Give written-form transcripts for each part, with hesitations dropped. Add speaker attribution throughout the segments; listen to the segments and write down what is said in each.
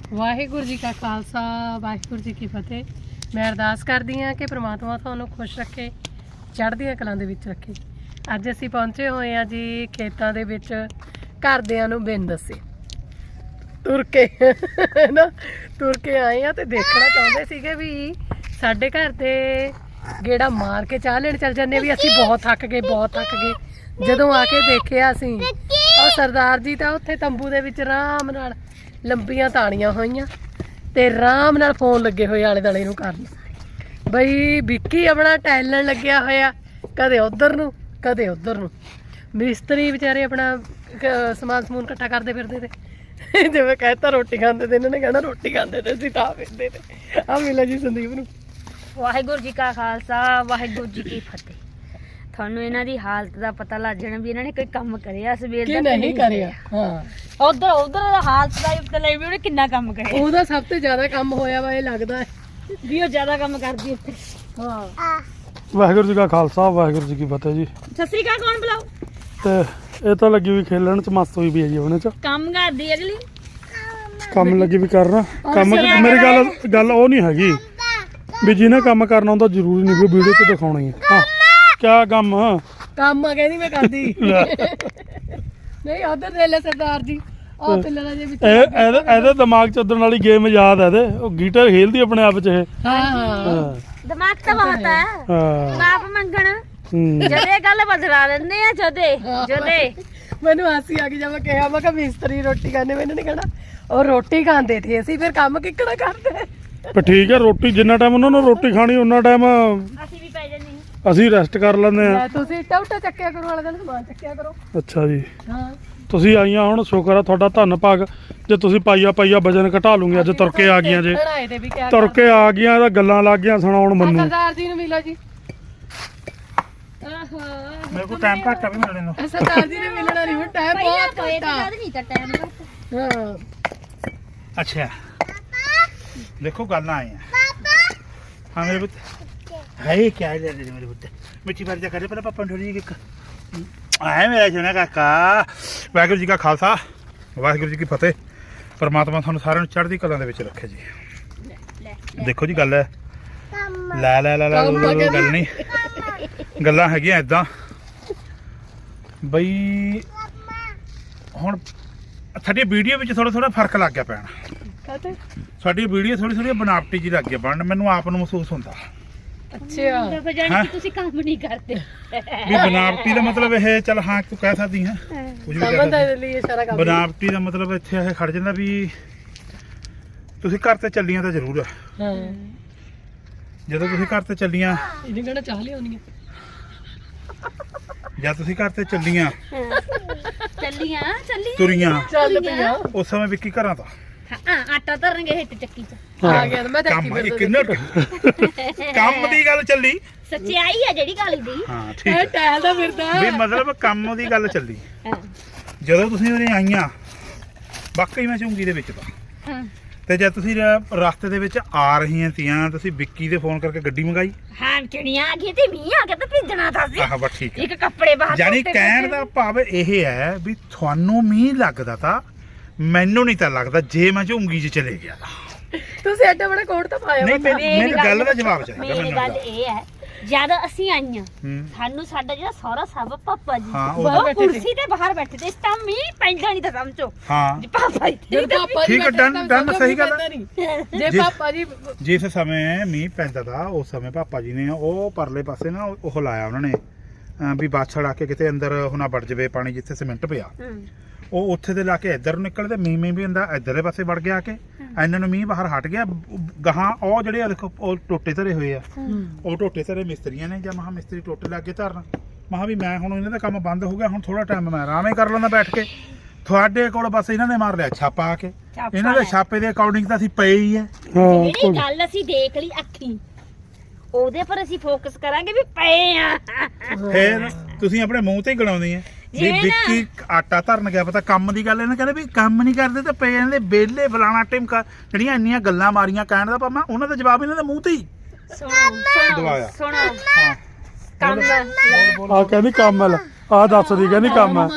Speaker 1: ਵਾਹਿਗੁਰੂ ਜੀ ਕਾ ਖਾਲਸਾ ਵਾਹਿਗੁਰੂ ਜੀ ਕੀ ਫਤਿਹ। ਮੈਂ ਅਰਦਾਸ ਕਰਦੀ ਹਾਂ ਕਿ ਪ੍ਰਮਾਤਮਾ ਤੁਹਾਨੂੰ ਖੁਸ਼ ਰੱਖੇ, ਚੜ੍ਹਦੀਆਂ ਕਲਾਂ ਦੇ ਵਿੱਚ ਰੱਖੇ। ਅੱਜ ਅਸੀਂ ਪਹੁੰਚੇ ਹੋਏ ਹਾਂ ਜੀ ਖੇਤਾਂ ਦੇ ਵਿੱਚ, ਘਰਦਿਆਂ ਨੂੰ ਬਿਨ ਦੱਸੇ ਤੁਰ ਕੇ ਨਾ ਤੁਰ ਕੇ ਆਏ ਆ ਤੇ ਦੇਖਣਾ ਚਾਹੁੰਦੇ ਸੀਗੇ ਵੀ ਸਾਡੇ ਘਰ ਦੇ ਗੇੜਾ ਮਾਰ ਕੇ ਚਾਹ ਲੈਣ ਚੱਲ ਜਾਂਦੇ ਵੀ ਅਸੀਂ ਬਹੁਤ ਥੱਕ ਗਏ। ਜਦੋਂ ਆ ਕੇ ਦੇਖਿਆ ਅਸੀਂ ਉਹ ਸਰਦਾਰ ਜੀ ਤਾਂ ਉੱਥੇ ਤੰਬੂ ਦੇ ਵਿੱਚ ਆਰਾਮ ਨਾਲ ਲੰਬੀਆਂ ਤਾਣੀਆਂ ਹੋਈਆਂ ਤੇ ਆਰਾਮ ਨਾਲ ਫੋਨ ਲੱਗੇ ਹੋਏ ਆਲੇ ਦੁਆਲੇ ਨੂੰ ਕਰਨ। ਬਈ ਵਿੱਕੀ ਆਪਣਾ ਟੈਲਣ ਲੱਗਿਆ ਹੋਇਆ, ਕਦੇ ਉਧਰ ਨੂੰ ਕਦੇ ਉਧਰ ਨੂੰ। ਮਿਸਤਰੀ ਵਿਚਾਰੇ ਆਪਣਾ ਸਮਾਨ ਸਮੂਨ ਇਕੱਠਾ ਕਰਦੇ ਫਿਰਦੇ ਤੇ ਜਿਵੇਂ ਕਹਿਤਾ ਰੋਟੀ ਖਾਂਦੇ ਤੇ ਇਹਨਾਂ ਨੇ ਕਹਿਣਾ ਰੋਟੀ ਖਾਂਦੇ ਤੇ ਅਸੀਂ ਤਾਂ ਫਿਰਦੇ ਤੇ। ਆ ਮਿਲਾ ਜੀ ਸੰਦੀਪ ਨੂੰ।
Speaker 2: ਵਾਹਿਗੁਰੂ ਜੀ ਕਾ ਖਾਲਸਾ ਵਾਹਿਗੁਰੂ ਜੀ ਕੀ ਫਤਿਹ। ਤੁਹਾਨੂੰ ਇਹਨਾਂ ਦੀ ਹਾਲਤ ਦਾ ਪਤਾ ਲੱਗ ਜਾਣਾ ਵੀ ਇਹਨਾਂ ਨੇ ਕੋਈ ਕੰਮ ਕਰਿਆ ਸਵੇਰ
Speaker 1: ਕਿ
Speaker 2: ਦਾ
Speaker 1: ਨਹੀਂ ਕਰਿਆ। ਹਾਂ
Speaker 2: ਉਧਰ ਹਾਲਤ ਦਾ ਪਤਾ ਲੱਗ ਵੀ ਉਹਨੇ ਕਿੰਨਾ ਕੰਮ ਕਰਿਆ।
Speaker 1: ਉਹਦਾ ਸਭ ਤੋਂ ਜ਼ਿਆਦਾ ਕੰਮ ਹੋਇਆ ਵਾ ਇਹ ਲੱਗਦਾ ਹੈ
Speaker 2: ਵੀ ਉਹ ਜ਼ਿਆਦਾ ਕੰਮ ਕਰਦੀ ਉੱਥੇ।
Speaker 1: ਹਾਂ
Speaker 3: ਵਾਹਿਗੁਰੂ ਜੀ ਕਾ ਖਾਲਸਾ ਵਾਹਿਗੁਰੂ ਜੀ ਕੀ ਫਤਿਹ ਜੀ।
Speaker 2: ਸਤਿ ਸ੍ਰੀ ਅਕਾਲ ਕੌਣ ਬੁਲਾਓ।
Speaker 3: ਤੇ ਇਹ ਤਾਂ ਲੱਗੀ ਵੀ ਖੇਲਣ ਚ ਮਸਤ ਹੋਈ ਵੀ ਹੈ ਜੀ ਉਹਨੇ ਚ
Speaker 2: ਕੰਮ ਕਰਦੀ ਅਗਲੀ।
Speaker 3: ਕੰਮ ਲੱਗੀ ਵੀ ਕਰਨਾ ਕੰਮ। ਮੇਰੀ ਗੱਲ ਉਹ ਨਹੀਂ ਹੈਗੀ ਵੀ ਜਿਹਨੇ ਕੰਮ ਕਰਨਾ ਹੁੰਦਾ ਜ਼ਰੂਰੀ ਨਹੀਂ ਵੀ ਵੀਡੀਓ 'ਚ ਦਿਖਾਉਣਾ ਹੀ ਹੈ। ਹਾਂ ਕਿਆ ਕੰਮ
Speaker 1: ਆ ਕਹਿੰਦੀ ਮੈਂ ਕਰਦੀ ਨਹੀਂ ਉਧਰ ਦੇ ਲੈ ਸਰਦਾਰ ਜੀ ਉਹ ਪਿੱਲਰਾਂ ਦੇ ਵਿੱਚ
Speaker 3: ਇਹਦੇ ਦਿਮਾਗ 'ਚ ਉਦਣ ਵਾਲੀ ਗੇਮ ਯਾਦ ਹੈ ਇਹਦੇ। ਉਹ ਗੀਟਰ ਖੇਲਦੀ ਆਪਣੇ ਆਪ 'ਚ ਇਹ।
Speaker 1: ਹਾਂ
Speaker 2: ਦਿਮਾਗ ਤਾਂ ਬਹੁਤ ਹੈ। ਬਾਪ ਮੰਗਣ ਜਦੇ ਗੱਲ ਬਦਲਾ ਲੈਂਦੇ ਆ ਜਦੇ
Speaker 1: ਮੈਨੂੰ ਹਾਸੀ ਆ ਗਈ ਜਦ ਮੈਂ ਕਿਹਾ ਮੈਂ ਕਿਹਾ ਮਿਸਤਰੀ ਰੋਟੀ ਖਾਣੇ ਮੈਨੂੰ ਨਹੀਂ ਕਹਿਣਾ ਉਹ ਰੋਟੀ ਖਾਂਦੇ ਸੀ ਅਸੀਂ ਫਿਰ ਕੰਮ ਕਿੱਕਣਾ ਕਰਦੇ।
Speaker 3: ਪਰ ਠੀਕ ਹੈ ਰੋਟੀ ਜਿੰਨਾ ਟਾਈਮ ਉਹਨਾਂ ਨੂੰ ਰੋਟੀ ਖਾਣੀ ਉਹਨਾਂ ਟਾਈਮ
Speaker 2: ਅਸੀਂ ਵੀ ਪੈ ਜਾਂਦੇ
Speaker 3: ਅਸੀਂ ਰੈਸਟ ਕਰ ਲੈਂਦੇ ਆ।
Speaker 1: ਤੁਸੀਂ ਟੌਟਾ ਚੱਕਿਆ ਕਰੋ ਵਾਲੇ ਦਿਨ ਸਮਾਨ ਚੱਕਿਆ ਕਰੋ।
Speaker 3: ਅੱਛਾ ਜੀ
Speaker 1: ਹਾਂ
Speaker 3: ਤੁਸੀਂ ਆਈਆਂ ਹੁਣ ਸ਼ੁਕਰ ਆ ਤੁਹਾਡਾ ਧੰਨ ਭਾਗ ਜੇ ਤੁਸੀਂ ਪਾਈਆ ਵਜਨ ਘਟਾ ਲੂੰਗੇ। ਅੱਜ ਤੁਰ ਕੇ ਆ ਗਈਆਂ ਜੇ ਤੁਰ ਕੇ ਆ ਗਈਆਂ ਇਹਦਾ ਗੱਲਾਂ ਲੱਗ ਗਈਆਂ ਸੁਣਾਉਣ ਮੈਨੂੰ।
Speaker 1: ਸਰਦਾਰ ਜੀ ਨੂੰ ਮਿਲੋ ਜੀ।
Speaker 3: ਮੇਰੇ ਕੋਲ ਟਾਈਮ ਘੱਟ ਆ ਵੀ ਮਿਲਣੇ ਨੂੰ।
Speaker 1: ਸਰਦਾਰ ਜੀ ਨੇ ਮਿਲਣਾ ਨਹੀਂ ਹੁਣ ਟਾਈਮ ਬਹੁਤ ਘੱਟ ਆ।
Speaker 2: ਨਹੀਂ ਤਾਂ ਟਾਈਮ
Speaker 1: ਹਾਂ
Speaker 4: अच्छा देखो गल आए हैं। हाँ मेरे पुत्र है क्या है मेरे पुत्र मिट्टी भर जा करे पहले पापा ढोली आए मेरा सोना काका। वाहिगुरू जी का खालसा वाहिगुरू जी की फतेह। परमात्मा थानू सारिਆਂ ਨੂੰ ਚੜ੍ਹਦੀ ਕਲਾ ਦੇ ਵਿੱਚ ਰੱਖੇ ਜੀ। ਦੇਖੋ ਜੀ ਗੱਲ ਹੈ ਲੈ ਗੱਲ ਨਹੀਂ ਗੱਲਾਂ ਹੈਗੀਆਂ ਇਦਾਂ ਬਈ ਹੁਣ ਸਾਡੀ ਵੀਡੀਓ ਵਿੱਚ ਥੋੜਾ ਫਰਕ ਲੱਗ ਗਿਆ ਪੈਣਾ। ਸਾਡੀ ਵੀਡੀਓ ਥੋੜੀ ਬਨਾਵਟੀ ਜੀ ਲੱਗ ਗਈ ਬਣਨ। ਮੈਨੂੰ ਆਪ ਨੂੰ ਮਹਿਸੂਸ ਹੁੰਦਾ।
Speaker 1: ਅੱਛਾ
Speaker 2: ਫਿਰ ਜਾਨੀ ਕਿ ਤੁਸੀਂ ਕੰਮ ਨਹੀਂ ਕਰਦੇ
Speaker 4: ਵੀ ਬਨਾਵਟੀ ਦਾ ਮਤਲਬ ਇਹ ਚੱਲ ਹਾਂ ਤੂੰ ਕਹਿ ਸਕਦੀ ਹੈ ਕੁਝ ਵੀ ਕਹਿ
Speaker 1: ਸਮਝਦਾ ਇਹਦੇ ਲਈ ਸਾਰਾ ਕੰਮ।
Speaker 4: ਬਨਾਵਟੀ ਦਾ ਮਤਲਬ ਇੱਥੇ ਇਹ ਖੜ ਜਾਂਦਾ ਵੀ ਤੁਸੀਂ ਘਰ ਤੇ ਚੱਲੀਆਂ ਤਾਂ ਜ਼ਰੂਰ ਆ।
Speaker 1: ਹਾਂ
Speaker 4: ਜਦੋਂ ਤੁਸੀਂ ਘਰ ਤੇ ਚੱਲੀਆਂ
Speaker 1: ਇਹਨੇ ਕਹਿਣਾ ਚਾਹ ਲਿਆਉਣੀ ਆ।
Speaker 4: ਜਾਂ ਤੁਸੀਂ ਘਰ ਤੇ ਚੱਲੀਆਂ
Speaker 2: ਚੱਲੀ
Speaker 4: ਤੁਰੀਆਂ
Speaker 1: ਚੱਲ ਪਿਆ
Speaker 4: ਉਸ ਸਮੇਂ ਵਿੱਕੀ ਘਰਾਂ ਤਾਂ
Speaker 2: ਹਾਂ ਆਟਾ ਧਰਨਗੇ ਹਿੱਟ ਚੱਕੀ ਚ
Speaker 1: ਆ ਗਿਆ ਮੈਂ ਦੇਖੀ
Speaker 4: ਕੰਮ
Speaker 1: ਫਿਰਦਾ
Speaker 4: ਇੱਕ ਮਿੰਟ ਕੰਮ ਦੀ ਗੱਲ ਚੱਲੀ।
Speaker 2: ਸੱਚਾਈ ਹੈ ਜਿਹੜੀ ਗੱਲ ਦੀ।
Speaker 4: ਹਾਂ ਠੀਕ
Speaker 1: ਇਹ
Speaker 4: ਹੈ
Speaker 1: ਟੈਲ ਦਾ ਫਿਰਦਾ
Speaker 4: ਵੀ ਮਤਲਬ ਕੰਮ ਦੀ ਗੱਲ ਚੱਲੀ।
Speaker 2: ਹਾਂ
Speaker 4: ਜਦੋਂ ਤੁਸੀਂ ਉਰੇ ਆਈਆਂ ਵਾਕਈ ਮੈਂ ਝੁੰਗੀ ਦੇ ਵਿੱਚ ਤਾਂ
Speaker 2: ਹਾਂ
Speaker 4: ਤੇ ਜਦ ਤੁਸੀਂ ਰਸਤੇ ਦੇ ਵਿੱਚ ਆ ਰਹੀਆਂ ਤੀਆਂ ਤੁਸੀਂ ਵਿੱਕੀ ਦੇ ਫੋਨ ਕਰਕੇ ਗੱਡੀ ਮੰਗਾਈ।
Speaker 2: ਹਾਂ ਚਿੜੀਆਂ ਆ ਗਈ ਤੇ ਮੀਂਹ ਆ ਗਿਆ ਤਾਂ ਭਿੱਜਣਾ ਤਾਂ ਸੀ।
Speaker 4: ਆਹ ਬਸ ਠੀਕ ਹੈ।
Speaker 2: ਇੱਕ ਕੱਪੜੇ ਬਾਹਰ
Speaker 4: ਯਾਨੀ ਕਹਿਣ ਦਾ ਭਾਵ ਇਹ ਹੈ ਵੀ ਤੁਹਾਨੂੰ ਮੀਂਹ ਲੱਗਦਾ ਤਾਂ ਮੈਨੂੰ ਨਹੀਂ ਤਾਂ ਲੱਗਦਾ ਜੇ ਮੈਂ ਝੁੰਗੀ 'ਚ ਚਲੇ ਗਿਆ ਤਾਂ।
Speaker 1: ਤੁਸੀਂ ਐਡਾ ਬੜਾ ਕੋਟ ਤਾਂ ਪਾਇਆ
Speaker 4: ਨਹੀਂ ਮੇਰੀ ਗੱਲ ਦਾ ਜਵਾਬ ਚਾਹੀਦਾ
Speaker 2: ਮੇਰੀ ਗੱਲ ਇਹ ਹੈ ਜਦ ਅਸੀਂ ਆਈਆਂ
Speaker 4: ਹੂੰ।
Speaker 2: ਸਾਨੂੰ ਸਾਡਾ ਜਿਹੜਾ ਸਹੁਰਾ ਸਾਹਿਬ ਪਾਪਾ ਜੀ
Speaker 4: ਹਾਂ,
Speaker 2: ਉਹ ਕੁਰਸੀ ਤੇ ਬਾਹਰ ਬੈਠੇ ਤੇ ਇਸ ਤਾਂ ਮੀਂਹ ਪੈਂਦਾ ਨਹੀਂ ਤਾਂ ਸਮਝੋ
Speaker 4: ਹਾਂ
Speaker 2: ਜੀ ਪਾਪਾ ਜੀ
Speaker 1: ਜਦ ਪਾਪਾ ਜੀ
Speaker 4: ਠੀਕ ਹੈ, done, ਸਹੀ ਗੱਲ ਹੈ।
Speaker 1: ਜੇ ਪਾਪਾ ਜੀ
Speaker 4: ਜਿਸ ਸਮੇਂ ਮੀਂਹ ਪੈਂਦਾ ਤਾ ਉਸ ਸਮੇਂ ਪਾਪਾ ਜੀ ਨੇ ਉਹ ਪਰਲੇ ਪਾਸੇ ਨਾ ਉਹ ਲਾਇਆ ਉਹਨਾਂ ਨੇ ਵੀ ਬਾਛੜ ਆ ਕੇ ਕਿਤੇ ਅੰਦਰ ਹੁਣ ਵੜ ਜਵੇ ਪਾਣੀ ਜਿੱਥੇ ਸੀਮੈਂਟ ਪਿਆ ਉਹ ਉੱਥੇ ਦੇ ਲਾ ਕੇ ਇੱਧਰ ਨੂੰ ਨਿਕਲਦੇ ਮੀਂਹ ਵੀ ਹੁੰਦਾ ਇੱਧਰਲੇ ਪਾਸੇ ਵੜ ਗਿਆ ਕੇ ਇਹਨਾਂ ਨੂੰ ਮੀਂਹ ਬਾਹਰ ਹਟ ਗਿਆ ਗਾਹਾਂ ਉਹ ਜਿਹੜੇ ਆ ਦੇਖੋ ਉਹ ਟੋਟੇ ਧਰੇ ਹੋਏ ਆ ਉਹ ਟੋਟੇ ਧਰੇ ਮਿਸਤਰੀਆਂ ਨੇ ਜਾਂ ਮਹਾ ਮਿਸਤਰੀ ਟੋਟੇ ਲਾ ਕੇ ਧਰਨ ਮਹਾ ਵੀ ਮੈਂ ਹੁਣ ਇਹਨਾਂ ਦਾ ਕੰਮ ਬੰਦ ਹੋ ਗਿਆ ਹੁਣ ਥੋੜਾ ਟਾਈਮ ਮੈਂ ਆਰਾਮ ਹੀ ਕਰ ਲੈਂਦਾ ਬੈਠ ਕੇ। ਤੁਹਾਡੇ ਕੋਲ ਬਸ ਇਹਨਾਂ ਨੇ ਮਾਰ ਲਿਆ ਛਾਪਾ ਆ ਕੇ ਇਹਨਾਂ ਦੇ ਛਾਪੇ ਦੇ ਅਕੋਰਡਿੰਗ ਤਾਂ ਅਸੀਂ ਪਏ ਹੀ ਆ।
Speaker 2: ਜਿਹੜੀ ਗੱਲ ਅਸੀਂ ਦੇਖ ਲਈ ਅੱਖੀ ਉਹਦੇ ਪਰ ਅਸੀਂ ਫੋਕਸ ਕਰਾਂਗੇ ਵੀ ਪਏ ਆ।
Speaker 4: ਫਿਰ ਤੁਸੀਂ ਆਪਣੇ ਮੂੰਹ ਤੇ ਹੀ ਗਣਾਉਂਦੇ ਆ ਵੀ ਵਿੱਕੀ ਆਟਾ ਧਰਨ ਗਿਆ ਪਤਾ ਕੰਮ ਦੀ ਗੱਲ ਇਹਨਾਂ ਕਹਿੰਦੇ ਵੀ ਕੰਮ ਨਹੀਂ ਕਰਦੇ ਤੇ ਪਏ ਜਾਂਦੇ ਬੇਲੇ ਫਲਾਣਾ ਟਿਮਕਾ ਜਿਹੜੀਆਂ ਇੰਨੀਆਂ ਗੱਲਾਂ ਮਾਰੀਆਂ ਕਹਿਣ ਦਾ ਭਾਵੇਂ ਉਹਨਾਂ ਦਾ ਜਵਾਬ ਇਹਨਾਂ ਦੇ ਮੂੰਹ ਤੇ ਹੀ ਦਵਾਇਆ।
Speaker 2: ਸੁਣੋ
Speaker 4: ਹਾਂ
Speaker 2: ਕੰਮ
Speaker 3: ਆ ਕਹਿੰਦੀ ਕੰਮ ਆ ਦੱਸਦੀ ਕਹਿੰਦੀ ਕੰਮ ਆ।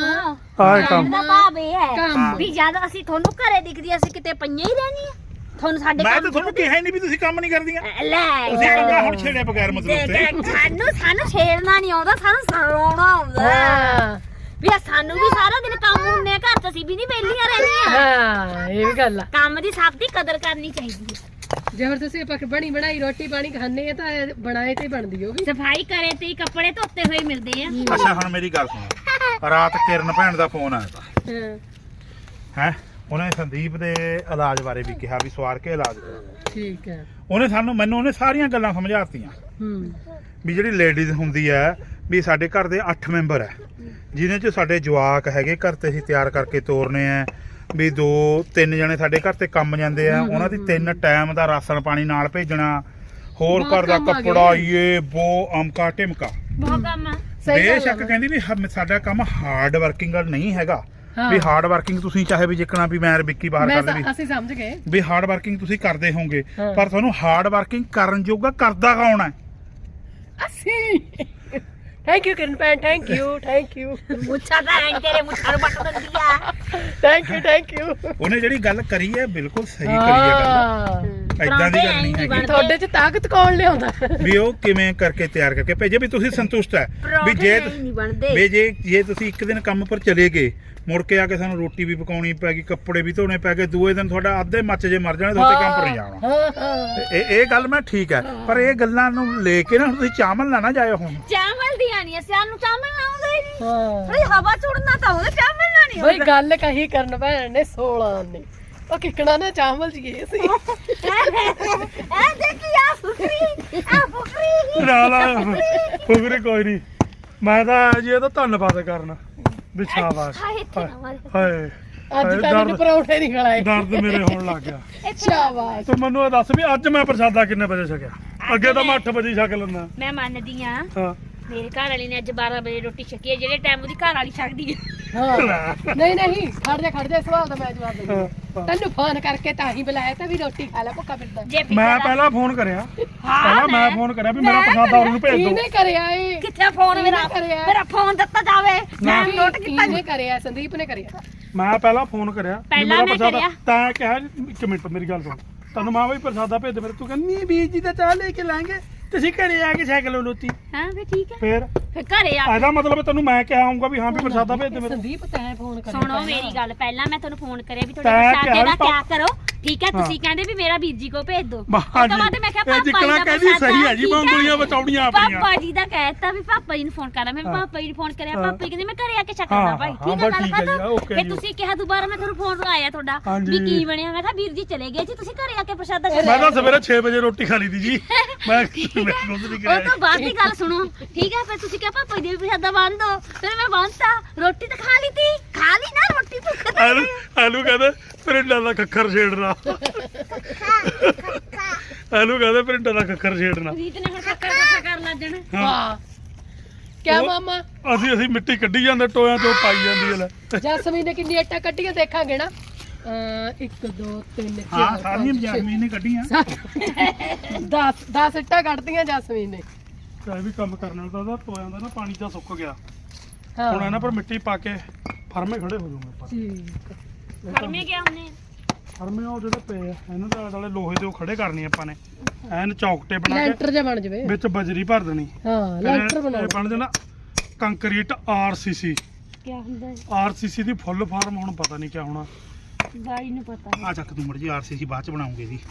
Speaker 3: ਆਹ ਕੰਮ
Speaker 2: ਦਾ ਭਾਵ ਇਹ ਹੈ
Speaker 1: ਕੰਮ।
Speaker 2: ਵੀ ਜਦ ਅਸੀਂ ਤੁਹਾਨੂੰ ਘਰੇ ਦਿਖਦੀ ਅਸੀਂ ਕਿਤੇ ਪਈਆਂ ਹੀ ਰਹਿਣੀਆਂ ਤੁਹਾਨੂੰ ਸਾਡੇ
Speaker 4: ਮੈਂ
Speaker 2: ਕੰਮ
Speaker 4: ਤਾਂ ਤੁਹਾਨੂੰ ਕਿਹਾ ਹੀ ਨਹੀਂ ਵੀ ਤੁਸੀਂ ਕੰਮ ਨਹੀਂ ਕਰਦੀਆਂ
Speaker 2: ਲੈ
Speaker 4: ਤੁਸੀਂ ਕੰਗਾ ਹੁਣ ਛੇੜੇ ਬਗੈਰ ਮਤਲਬ ਤੇ
Speaker 2: ਦੇਖ, ਸਾਨੂੰ ਛੇੜਨਾ ਨਹੀਂ ਆਉਂਦਾ ਸਾਨੂੰ ਸਰਾਉਣਾ ਆਉਂਦਾ
Speaker 1: ਹਾਂ
Speaker 2: ਵੀ ਸਾਨੂੰ ਵੀ ਸਾਰਾ ਦਿਨ ਕੰਮ ਹੁੰਦੇ ਆ ਘਰ ਚ ਅਸੀਂ ਵੀ ਨਹੀਂ ਵਿਹਲੀਆਂ ਰਹਿੰਦੀਆਂ
Speaker 1: ਹਾਂ ਇਹ ਵੀ ਗੱਲ ਆ
Speaker 2: ਕੰਮ ਦੀ ਸਭ ਦੀ ਕਦਰ ਕਰਨੀ ਚਾਹੀਦੀ ਹੈ
Speaker 1: ਜੇਕਰ ਤੁਸੀਂ ਆਪਾਂ ਬਣੀ ਬਣਾਈ ਰੋਟੀ ਪਾਣੀ ਖਾਣੇ ਆ ਤਾਂ ਇਹ ਬਣਾਏ ਤੇ ਬਣਦੀ ਹੋਗੀ
Speaker 2: ਸਫਾਈ ਕਰੇ ਤੇ ਹੀ ਕੱਪੜੇ ਧੋਤੇ ਹੋਏ ਮਿਲਦੇ ਆ
Speaker 4: ਅੱਛਾ ਹੁਣ ਮੇਰੀ ਗੱਲ ਸੁਣੋ ਰਾਤ ਕਿਰਨ ਭੈਣ ਦਾ ਫੋਨ ਆਇਆ ਤਾ
Speaker 1: ਹਾਂ
Speaker 4: ਹੈ ਉਹਨੇ ਸੰਦੀਪ ਦੇ ਇਲਾਜ ਬਾਰੇ ਵੀ ਕਿਹਾ ਵੀ ਸਵਾਰ ਕੇ ਇਲਾਜ ਕਰੋ
Speaker 1: ਠੀਕ ਹੈ
Speaker 4: ਮੈਨੂੰ ਉਹਨੇ ਸਾਰੀਆਂ ਗੱਲਾਂ ਸਮਝਾਤੀਆਂ
Speaker 1: ਹੂੰ
Speaker 4: ਵੀ ਜਿਹੜੀ ਲੇਡੀਜ਼ ਹੁੰਦੀ ਹੈ ਵੀ ਸਾਡੇ ਘਰ ਦੇ 8 ਮੈਂਬਰ ਹੈ ਜਿਹਦੇ ਚ ਸਾਡੇ ਜਵਾਕ ਹੈਗੇ ਘਰ ਤੇ ਅਸੀਂ ਤਿਆਰ ਕਰਕੇ ਤੋਰਨੇ ਆ ਵੀ 2-3 ਜਣੇ ਸਾਡੇ ਘਰ ਤੇ ਕੰਮ ਜਾਂਦੇ ਆ ਉਹਨਾਂ ਦੀ 3 ਟਾਈਮ ਦਾ ਰਾਸ਼ਨ ਪਾਣੀ ਨਾਲ ਭੇਜਣਾ ਹੋਰ
Speaker 1: ਬਹੁਤ
Speaker 4: ਘਰ ਦਾ
Speaker 1: ਕੰਮ ਆ
Speaker 4: ਕੱਪੜਾ
Speaker 1: ਗਏ।
Speaker 4: ਇਹ ਬੋ ਅਮਕਾ ਟਿਮਕਾ
Speaker 2: ਬਹੁਤ ਕੰਮ ਆ
Speaker 1: ਸਹੀ ਗੱਲ ਆ
Speaker 4: ਬੇਸ਼ੱਕ
Speaker 1: ਨਾ।
Speaker 4: ਕਹਿੰਦੀ ਵੀ ਸਾਡਾ ਕੰਮ ਹਾਰਡ ਵਰਕਿੰਗ ਨਹੀਂ ਹੈਗਾ
Speaker 1: ਹਾਂ।
Speaker 4: ਵੀ ਹਾਰਡ ਵਰਕਿੰਗ ਤੁਸੀਂ ਚਾਹੇ ਵੀ ਜਿੱਕਣਾ ਵੀ ਮੈਂ ਵਿੱਕੀ ਬਾਹਰ
Speaker 1: ਮੈਂ
Speaker 4: ਕਰਦੇ ਵੀ
Speaker 1: ਅਸੀਂ ਸਮਝ ਗਏ
Speaker 4: ਵੀ ਹਾਰਡ ਵਰਕਿੰਗ ਤੁਸੀਂ ਕਰਦੇ ਹੋਵੋਗੇ
Speaker 1: ਹਾਂ।
Speaker 4: ਪਰ ਤੁਹਾਨੂੰ ਹਾਰਡ ਵਰਕਿੰਗ ਕਰਨ ਜੋਗਾ ਕਰਦਾ ਕੌਣ ਹੈ
Speaker 1: ਅਸੀਂ ਥੈਂਕ ਯੂ ਕਿਰਨ ਭੈਣ ਥੈਂਕ ਯੂ
Speaker 2: ਮੁੱਛਾਂ ਤਾਂ ਐਂ ਤੇਰੇ ਮੁੱਛਾਂ ਨੂੰ ਪੱਟ ਦਿੰਦੀ ਆ
Speaker 1: ਥੈਂਕ ਯੂ
Speaker 4: ਉਹਨੇ ਜਿਹੜੀ ਗੱਲ ਕਰੀ ਹੈ ਬਿਲਕੁਲ ਸਹੀ ਕਰੀ ਹੈ ਗੱਲ ਏਦਾਂ ਦੀ ਗੱਲ ਨਹੀਂ ਹੈਗੀ
Speaker 1: ਤੁਹਾਡੇ ਚ ਤਾਕਤ ਕੌਣ ਲਿਆਉਂਦਾ
Speaker 4: ਵੀ ਉਹ ਕਿਵੇਂ ਕਰਕੇ ਤਿਆਰ ਕਰਕੇ ਭੇਜੇ ਵੀ ਤੁਸੀਂ ਸੰਤੁਸ਼ਟ ਹੈ ਵੀ ਜੇ
Speaker 2: ਨਹੀਂ ਬਣਦੇ
Speaker 4: ਵੀ ਜੇ ਤੁਸੀਂ ਇੱਕ ਦਿਨ ਕੰਮ ਪਰ ਚਲੇ ਗਏ ਮੁੜ ਕੇ ਆ ਕੇ ਸਾਨੂੰ ਰੋਟੀ ਵੀ ਪਕਾਉਣੀ ਪੈ ਗਈ ਕੱਪੜੇ ਵੀ ਧੋਣੇ ਪੈ ਗਏ ਦੂਏ ਦਿਨ ਤੁਹਾਡਾ ਅੱਧੇ ਮੱਚ ਜੇ ਮਰ ਜਾਣੇ ਤੁਹਾਡੇ ਕੰਮ ਪਰ ਨਹੀਂ ਜਾਣਾ
Speaker 1: ਹਾਂ
Speaker 4: ਇਹ ਗੱਲ ਮੈਂ ਠੀਕ ਹੈ ਪਰ ਇਹ ਗੱਲਾਂ ਨੂੰ ਲੈ ਕੇ ਨਾ ਤੁਸੀਂ ਚਾਵਲ ਨਾ ਜਾਇਓ ਹੁਣ
Speaker 2: ਚਾਵਲ ਦੀ ਆਣੀ ਆ ਸਾਨੂੰ ਚਾਵਲ ਨਾ ਆਉਂਦੇ ਹੀ ਨਹੀਂ
Speaker 1: ਹਾਂ
Speaker 2: ਥੋੜੀ ਹਵਾ ਚੁੜਨਾ ਤਾਂ ਉਹਦੇ ਚਾਵਲ ਨਾ ਨਹੀਂ
Speaker 1: ਬਈ ਗੱਲ ਕਹੀ ਕਰਨ ਭੈਣ ਨੇ 16 ਨੇ ਉਹ ਕਿਕਣਾ ਨਾ ਚਾਵਲ ਜੀ ਗਏ ਸੀ
Speaker 2: ਐ ਦੇਖੀ ਆ ਫੁਕਰੀ
Speaker 3: ਨਾਲ ਫੁਗਰੇ ਕੋਈ ਨਹੀਂ ਮੈਂ ਤਾਂ ਜੀ ਇਹਦਾ ਧੰਨਵਾਦ ਕਰਨਾ ਵੀ ਸ਼ਾਬਾਸ਼
Speaker 2: ਹਾਏ ਇੱਥੇ ਨਾ ਮਾਰ
Speaker 3: ਹਾਏ
Speaker 1: ਅੱਜ ਕੱਲ ਨੂੰ ਪਰੌਂਠੇ ਨਹੀਂ ਖਲਾਏ
Speaker 3: ਦਰਦ ਮੇਰੇ ਹੋਣ ਲੱਗ ਗਿਆ
Speaker 1: ਸ਼ਾਬਾਸ਼
Speaker 3: ਤੂੰ ਮੈਨੂੰ ਇਹ ਦੱਸ ਵੀ ਅੱਜ ਮੈਂ ਪ੍ਰਸ਼ਾਦਾ ਕਿੰਨੇ ਵਜੇ ਛਕਿਆ ਅੱਗੇ ਤਾਂ ਮੈਂ 8 ਵਜੇ ਛਕ ਲੈਂਦਾ
Speaker 2: ਮੈਂ ਮੰਨਦੀ ਆ
Speaker 3: ਹਾਂ
Speaker 2: ਮੇਰੇ ਘਰ ਵਾਲੀ ਨੇ ਅੱਜ 12 ਵਜੇ ਰੋਟੀ ਛਕੀ ਹੈ ਜਿਹੜੇ ਟਾਈਮ ਉਹਦੀ ਘਰ ਵਾਲੀ ਛਕਦੀ ਹੈ
Speaker 1: ਹਾਂ ਨਹੀਂ ਖੜ ਜਾ ਸਵਾਲ ਦਾ ਮੈਂ ਜਵਾਬ ਦਿੰਦਾ
Speaker 3: ਹਾਂ।
Speaker 1: ਤੈਨੂੰ ਫੋਨ ਕਰਕੇ ਤਾਂ ਹੀ ਬੁਲਾਇਆ ਤਾਂ ਵੀ ਰੋਟੀ ਖਾ ਲੈ ਭੁੱਖਾ ਫਿਰਦਾ
Speaker 2: ਜੇ
Speaker 3: ਮੈਂ ਪਹਿਲਾਂ ਫੋਨ ਕਰਿਆ ਪਹਿਲਾਂ ਮੈਂ ਫੋਨ ਕਰਿਆ ਵੀ ਮੇਰਾ ਪ੍ਰਸ਼ਾਦਾ ਉਹਨੂੰ ਭੇਜ ਦਿਓ
Speaker 1: ਕਿਹਨੇ ਕਰਿਆ ਏ
Speaker 2: ਕਿੱਥੇ ਫੋਨ ਮੇਰਾ
Speaker 1: ਕਰਿਆ?
Speaker 2: ਮੇਰਾ ਫੋਨ ਦਿੱਤਾ ਜਾਵੇ ਮੈਂ ਨੋਟ ਕੀਤਾ
Speaker 1: ਕਿਹਨੇ ਕਰਿਆ ਸੰਦੀਪ ਨੇ ਕਰਿਆ
Speaker 3: ਮੈਂ ਪਹਿਲਾਂ ਫੋਨ ਕਰਿਆ ਵੀ
Speaker 2: ਪਹਿਲਾਂ
Speaker 3: ਮੇਰਾ
Speaker 2: ਮੈਂ
Speaker 3: ਪ੍ਰਸ਼ਾਦਾ
Speaker 2: ਕਰਿਆ।
Speaker 3: ਤਾਂ ਕਿਹਾ ਇੱਕ ਮਿੰਟ ਮੇਰੀ ਗੱਲ ਸੁਣ ਤੈਨੂੰ ਮਾਂ ਵੀ ਪ੍ਰਸ਼ਾਦਾ ਭੇਜ ਦੇ ਮੇਰੇ ਤੂੰ ਕਹਿੰਦੀ ਨਹੀਂ ਵੀਰ ਜੀ ਦਾ ਚਾਹ ਲੈ ਕੇ ਲਾਂਗੇ ਤੁਸੀਂ ਘਰੇ ਆ ਕੇ ਸਾਈਕਲ ਲੋਤੀ
Speaker 2: ਹਾਂ ਵੀ ਠੀਕ ਹੈ
Speaker 3: ਫੇਰ
Speaker 2: ਫਿਰ ਘਰੇ ਆ
Speaker 3: ਇਹਦਾ ਮਤਲਬ ਤੈਨੂੰ ਮੈਂ ਕਿਹਾ ਆਉਂਗਾ ਵੀ ਹਾਂ ਵੀ ਪ੍ਰਸ਼ਾਦਾ ਭੇਜ ਦੇ ਮੇਰੇ
Speaker 1: ਸੰਦੀਪ ਤੈਂ ਫੋਨ ਕਰਿਆ
Speaker 2: ਸੁਣੋ ਮੇਰੀ ਗੱਲ ਪਹਿਲਾਂ ਮੈਂ ਤੁਹਾਨੂੰ ਫੋਨ ਕਰਿਆ ਵੀ ਤੁਹਾਡੇ
Speaker 3: ਤੈਂ
Speaker 2: ਪ੍ਰਸ਼ਾਦੇ
Speaker 3: ਕਿਹਾ
Speaker 2: ਦਾ
Speaker 3: ਵੀ
Speaker 2: ਕਿਆ ਕਰੋ ਠੀਕ ਹੈ ਤੁਸੀਂ ਕਹਿੰਦੇ ਵੀ ਮੇਰਾ ਵੀਰ ਜੀ ਕੋ ਭੇਜ ਦਿਓ
Speaker 3: ਹਾਂ ਜੀ
Speaker 2: ਬਾਅਦ ਮੈਂ ਕਿਹਾ
Speaker 3: ਇਹ
Speaker 2: ਪਾਪਾ
Speaker 3: ਜਿੱਕਣਾ
Speaker 2: ਜੀ ਦਾ
Speaker 3: ਕਹਿੰਦੀ ਸਹੀ ਹੈ ਜੀ
Speaker 2: ਠੀਕ
Speaker 3: ਬੰਗਲੀਆਂ ਬਚਾਉਣੀਆਂ ਆਪਣੀਆਂ
Speaker 2: ਪਾਪਾ ਜੀ ਦਾ ਕਹਿਤਾ ਵੀ ਪਾਪਾ ਜੀ ਨੂੰ ਫੋਨ ਕਰਾਂ ਮੈਂ ਪਾਪਾ ਜੀ ਨੂੰ ਫੋਨ ਕਰਿਆ
Speaker 3: ਹਾਂ।
Speaker 2: ਪਾਪਾ ਜੀ ਕਹਿੰਦੇ ਮੈਂ ਘਰੇ ਆ ਕੇ ਛੱਡਣਾ
Speaker 3: ਹਾਂ,
Speaker 2: ਭਾਈ
Speaker 3: ਹਾਂ,
Speaker 2: ਠੀਕ ਹੈ
Speaker 3: ਬਸ
Speaker 2: ਗੱਲ
Speaker 3: ਠੀਕ ਹੈ ਜੀ,
Speaker 2: ਖਤਮ
Speaker 3: ਓਕੇ
Speaker 2: ਫਿਰ
Speaker 3: ਜੀ।
Speaker 2: ਤੁਸੀਂ ਕਿਹਾ ਦੁਬਾਰਾ ਮੈਂ ਤੁਹਾਨੂੰ ਫੋਨ ਲਾਇਆ ਤੁਹਾਡਾ
Speaker 3: ਹਾਂਜੀ।
Speaker 2: ਵੀ ਕੀ ਬਣਿਆ ਮੈਂ ਕਿਹਾ ਵੀਰ ਜੀ ਚਲੇ ਗਏ ਜੀ ਤੁਸੀਂ ਘਰੇ ਆ ਕੇ ਪ੍ਰਸ਼ਾਦਾ
Speaker 3: ਮੈਂ
Speaker 2: ਛਕੋ
Speaker 3: ਤਾਂ ਸਵੇਰੇ 6 ਵਜੇ ਰੋਟੀ ਖਾ ਲਈ ਦੀ ਜੀ ਮੈਂ ਕੁਝ ਨਹੀਂ
Speaker 2: ਉਹ
Speaker 3: ਕਰਿਆ
Speaker 2: ਤੋਂ ਬਾਅਦ ਦੀ ਗੱਲ ਸੁਣੋ ਠੀਕ ਹੈ ਫਿਰ ਤੁਸੀਂ ਕਿਹਾ ਪਾਪਾ ਜੀ ਦੇ ਵੀ ਪ੍ਰਸ਼ਾਦਾ ਬੰਨ ਦੋ ਫਿਰ ਮੈਂ ਬੰਨਤਾ ਰੋਟੀ ਤਾਂ ਖਾ ਲਈ ਤੀ ਖਾ ਲਈ ਨਾ ਰੋਟੀ ਭੁੱਖ ਤਾਂ
Speaker 3: ਆਲੂ ਕਹਿੰਦੇ ਪਿੰਡਾਂ ਦਾ ਖੱਖਰ ਛੇੜਨਾ ਆਲੂ ਕਹਿੰਦੇ ਪਿੰਡਾਂ ਦਾ ਖੱਖਰ ਛੇੜਨਾ
Speaker 2: ਰੀਤ ਨੇ ਹੁਣ ਕੱਕਾ ਕੱਕਾ ਕਰ ਲੱਗ ਜਾਣਾ
Speaker 1: ਵਾਹ ਕਿਆ
Speaker 3: ਉਹ-
Speaker 1: ਮਾਮਾ
Speaker 3: ਅਸੀਂ ਮਿੱਟੀ ਕੱਢੀ ਜਾਂਦੇ ਟੋਇਆਂ ਤੋਂ ਪਾਈ ਜਾਂਦੀ ਹੈ ਲੈ
Speaker 1: ਜਸਮੀਨ ਨੇ ਕਿੰਨੀ ਇੱਟਾਂ ਕੱਢੀਆਂ ਦੇਖਾਂਗੇ ਨਾ 1 2 3
Speaker 4: ਹਾਂ ਸਾਰੀਆਂ ਜੈਸਮੀਨ ਨੇ ਕੱਢੀਆਂ
Speaker 1: 10 ਇੱਟਾਂ ਕੱਢਦੀਆਂ ਜਸਮੀਨ ਨੇ
Speaker 3: ਚਾਹੇ ਵੀ ਕੰਮ ਕਰਨ ਵਾਲਾ ਤਾਂ ਟੋਇਆਂ ਦਾ ਨਾ ਪਾਣੀ ਤਾਂ ਸੁੱਕ ਗਿਆ
Speaker 1: ਹਾਂ
Speaker 3: ਹੁਣ ਇਹਨਾਂ ਪਰ ਮਿੱਟੀ ਪਾ ਕੇ ਫਰਮੇ ਖੜੇ ਹੋ ਜਾਊਗੇ ਆਪਾਂ
Speaker 1: ਠੀਕ
Speaker 2: ਫਰਮੇ ਗਿਆ ਉਹਨੇ
Speaker 3: ਫਰਮੇ ਉਹ ਜਿਹੜੇ ਪਏ ਆ ਇਹਨਾਂ ਦੇ ਆਲੇ ਲੋਹੇ ਦੇ ਉਹ ਖੜੇ ਕਰਨੇ ਆਪਾਂ ਨੇ ਐਨ ਚੌਕਟੇ ਬਣਾ ਕੇ
Speaker 1: ਲੈਂਟਰ ਜਿਹਾ ਬਣ ਜਵੇ
Speaker 3: ਵਿੱਚ ਬਜਰੀ ਭਰ ਦੇਣੀ
Speaker 1: ਹਾਂ
Speaker 3: ਫਿਰ
Speaker 1: ਲੈਂਟਰ ਬਣਾ
Speaker 3: ਇਹ ਬਣ ਜਾਣਾ ਕੰਕਰੀਟ ਆਰਸੀਸੀ
Speaker 2: ਕੀ ਹੁੰਦਾ ਹੈ?
Speaker 3: ਆਰਸੀਸੀ ਦੀ ਫੁੱਲ ਫਾਰਮ ਹੁਣ ਪਤਾ ਨਹੀਂ ਕਿਆ ਹੋਣਾ
Speaker 2: ਬਾਈ ਨੂੰ ਪਤਾ ਹੈ
Speaker 4: ਆ ਚੱਕ ਤੂੰ ਮੜ ਜੀ ਆਰਸੀਸੀ ਬਾਅਦ ਚ ਬਣਾਉਂਗੇ ਜੀ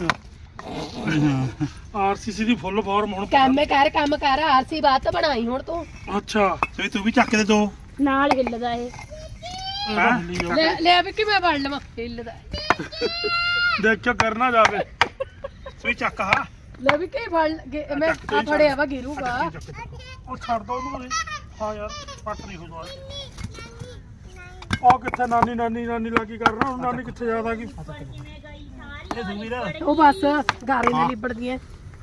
Speaker 3: ਆਰਸੀਸੀ ਦੀ ਫੁੱਲ ਫਾਰਮ ਹੁਣ
Speaker 1: ਕੰਮ ਕਰ ਆਰਸੀ ਬਾਤ ਤਾਂ ਬਣਾਈ ਹੁਣ ਤੂੰ
Speaker 3: ਅੱਛਾ
Speaker 4: ਸੋ ਤੂੰ ਵੀ ਚੱਕ ਦੇ ਦੋ
Speaker 2: ਨਾਲ ਹਿੱਲਦਾ ਇਹ
Speaker 1: ਲੈ ਵੀ ਕਿ ਮੈਂ ਵੜ ਲਵਾਂ ਹਿੱਲਦਾ
Speaker 3: ਦੇਖਿਓ ਕਰਨਾ ਜਾਵੇ
Speaker 4: ਸੋ ਚੱਕ ਹਾ
Speaker 1: ਲੈ ਵੀ ਕਿ ਫੜ ਮੈਂ ਆ ਫੜਿਆ ਵਾ ਗਿਰੂਗਾ
Speaker 3: ਉਹ ਛੱਡ ਦੋ ਉਹਨੂੰ ਹਾਂ ਯਾਰ ਪੱਟ ਨਹੀਂ ਹੋਣਾ ਉਹ ਕਿੱਥੇ ਨਾਨੀ ਲੱਗੀ ਕਰਨਾ ਹੁਣ ਨਾਨੀ ਕਿੱਥੇ ਜ਼ਿਆਦਾ ਕੀ
Speaker 4: ਇਹ ਦੂਵੀਰ
Speaker 1: ਉਹ ਬਸ ਗਾਰੇ ਨਾਲ ਲਿਬੜਦੀਆਂ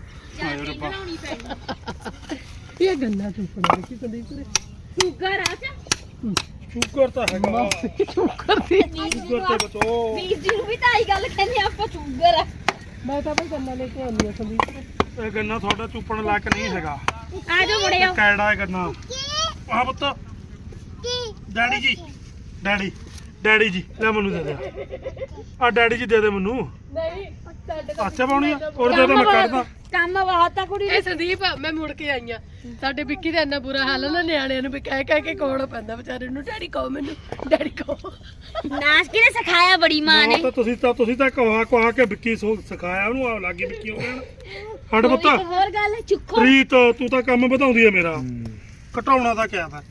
Speaker 1: ਇਹ ਗੰਨਾ ਚੁੱਪਣਾ ਕਿ ਸੰਦੀਪ ਨੇ
Speaker 2: ਸ਼ੂਗਰ ਆ ਚਾ
Speaker 3: ਸ਼ੂਗਰ ਤਾਂ ਹੈਗਾ
Speaker 1: ਸ਼ੁਕਰ ਸੀ
Speaker 3: ਸ਼ੂਗਰ ਤੇ ਬਚੋ
Speaker 2: ਵੀਰ ਜੀ ਨੂੰ ਵੀ ਤਾਂ ਆਈ ਗੱਲ ਕਹਿੰਦੇ ਆਪਾਂ ਸ਼ੂਗਰ ਆ
Speaker 1: ਮੈਂ ਤਾਂ ਬਈ ਗੰਨਾ ਲੈ ਕੇ ਆਉਂਦੀ ਆ ਸੰਦੀਪ ਨੇ
Speaker 3: ਇਹ ਗੰਨਾ ਤੁਹਾਡਾ ਚੁੱਪਣ ਲਾਇਕ ਨਹੀਂ ਹੈਗਾ
Speaker 2: ਆ ਜਾਓ ਮੁੜਿਓ
Speaker 3: ਕੈੜਾ ਹੈ ਗੰਨਾ ਆਹ ਪੁੱਤ
Speaker 4: ਡੈਡੀ ਜੀ
Speaker 3: ਡੈਡੀ ਜੀ ਲੈ ਮੈਨੂੰ ਦੇ ਦੇ ਆ ਡੈਡੀ ਜੀ ਦੇ ਦੇ ਮੈਨੂੰ
Speaker 1: ਨਹੀਂ ਸਾਡੇ
Speaker 3: ਅੱਛਾ ਪਾਉਣੀ ਆ ਔਰ ਦੇ ਮੈਂ ਕੱਢਦਾ
Speaker 2: ਕੰਮ ਬਹੁਤ ਆ ਕੁੜੀ
Speaker 1: ਇਹ ਸੰਦੀਪ ਮੈਂ ਮੁੜ ਕੇ ਆਈ ਆ ਸਾਡੇ ਵਿੱਕੀ ਦਾ ਇੰਨਾ ਬੁਰਾ ਹਾਲ ਨਾ ਨਿਆਣਿਆਂ ਨੂੰ ਵੀ ਕਹਿ ਕੇ ਕੋਲ ਪੈਂਦਾ ਵਿਚਾਰੇ ਨੂੰ ਡੈਡੀ ਕਹੋ ਮੈਨੂੰ ਡੈਡੀ ਕਹੋ
Speaker 2: ਨਾਚ ਕਿਨੇ ਸਿਖਾਇਆ ਬੜੀ ਮਾਂ ਨੇ
Speaker 3: ਤਾਂ ਤੁਸੀਂ ਤਾਂ ਕਹਾ ਕੇ ਵਿੱਕੀ ਸਿਖਾਇਆ ਉਹਨੂੰ ਆ ਲੱਗੀ ਵਿੱਕੀ ਹੋ ਗਿਆ ਹੱਡ ਪੁੱਤ
Speaker 2: ਇੱਕ ਹੋਰ ਗੱਲ ਚੁੱਕੋ
Speaker 3: ਰੀਤ ਤੂੰ ਤਾਂ ਕੰਮ ਵਧਾਉਂਦੀ ਹੈ ਮੇਰਾ ਘਟਾਉਣਾ ਤਾਂ ਕਿਆ ਤਾਂ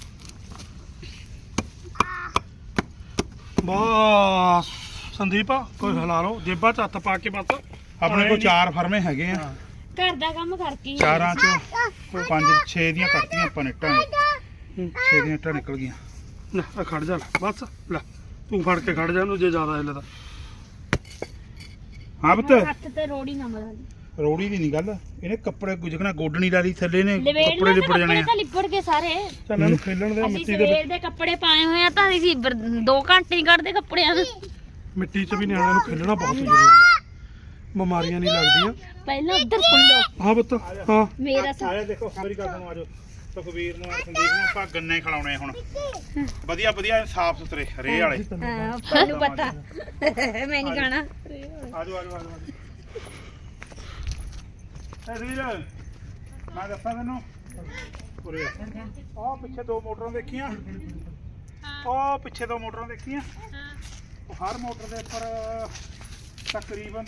Speaker 3: ਬਸ ਸੰਦੀਪ ਕੋਈ ਹਿਲਾ ਲਓ ਜੇਬਾਂ ਚ ਹੱਥ ਪਾ ਕੇ ਬਸ
Speaker 4: ਆਪਣੇ ਕੋਲ 4 ਫਰਮੇ ਹੈਗੇ ਆ
Speaker 2: ਘਰ ਦਾ ਕੰਮ ਕਰਕੇ
Speaker 4: ਚਾਰਾਂ ਚੋਂ 5-6 ਦੀਆਂ ਕੱਟੀਆਂ ਆਪਾਂ ਨੇ ਇੱਟਾਂ 6 ਦੀਆਂ ਇੱਟਾਂ ਨਿਕਲ ਗਈਆਂ
Speaker 3: ਲੈ ਆ ਖੜ ਜਾ ਲੈ, ਬਸ ਲੈ ਤੂੰ ਫੜ ਕੇ ਖੜ ਜਾ ਇਹਨੂੰ ਜੇ ਜ਼ਿਆਦਾ ਹਿੱਲਦਾ
Speaker 4: ਹਾਂ ਪੁੱਤ
Speaker 2: ਹੱਥ ਤੇ ਰੋੜੀ ਨਾ ਮਰਾ
Speaker 4: ਰੋੜੀ ਦੀ ਨਹੀਂ ਗੱਲ ਇਹਨੇ ਕੱਪੜੇ ਗੁਜਕਣਾ ਗੋਡਣੀ ਲਾ ਲਈ ਥੱਲੇ ਨੇ
Speaker 2: ਲਵੇੜ
Speaker 4: ਕੱਪੜੇ ਲਿਪੜ ਜਾਣੇ ਆ
Speaker 2: ਤਾਂ ਲਿਪੜ ਕੇ ਸਾਰੇ
Speaker 3: ਚੱਲ ਇਹਨੂੰ ਖੇਲਣ ਦੇ
Speaker 2: ਅਸੀਂ
Speaker 3: ਮਿੱਟੀ ਦੇ
Speaker 2: ਸਵੇਰ ਦੇ ਕੱਪੜੇ ਪਾਏ ਹੋਏ ਆ ਤਾਂ ਅਸੀਂ 2 ਘੰਟੇ ਹੀ ਕੱਢਦੇ ਕੱਪੜਿਆਂ ਨੂੰ
Speaker 3: ਮਿੱਟੀ 'ਚ ਵੀ ਨਿਆਣਿਆਂ ਨੂੰ ਖੇਲਣਾ ਬਹੁਤ ਜ਼ਰੂਰੀ ਹੈ ਬਿਮਾਰੀਆਂ ਨਹੀਂ ਲੱਗਦੀਆਂ
Speaker 2: ਪਹਿਲਾਂ ਉੱਧਰ ਸੁਣ
Speaker 3: ਹਾਂ ਪੁੱਤ ਹਾਂ
Speaker 2: ਮੇਰਾ
Speaker 4: ਆਲੇ ਦੇਖੋ ਮੇਰੀ ਗੱਲ ਨੂੰ ਆਜੋ ਸੁਖਵੀਰ ਨੂੰ ਸੰਦੀਪ ਨੂੰ ਆਪਾਂ ਗੰਨੇ ਖਿਲਾਉਣੇ ਹੁਣ ਵਧੀਆ ਵਧੀਆ ਸਾਫ ਸੁਥਰੇ ਰੇ ਵਾਲੇ
Speaker 2: ਹਾਂ ਤੁਹਾਨੂੰ ਪਤਾ ਮੈਂ ਨਹੀਂ ਖਾਣਾ
Speaker 4: ਆਜੋ ਇਹ ਰੀਲ ਮੈਂ ਦੱਸਾਂ ਤੈਨੂੰ ਉਰੇ ਆਹ ਪਿੱਛੇ 2 ਮੋਟਰਾਂ ਦੇਖੀਆਂ ਉਹ ਪਿੱਛੇ 2 ਮੋਟਰਾਂ ਦੇਖੀਆਂ ਉਹ ਹਰ ਮੋਟਰ ਦੇ ਉੱਪਰ ਤਕਰੀਬਨ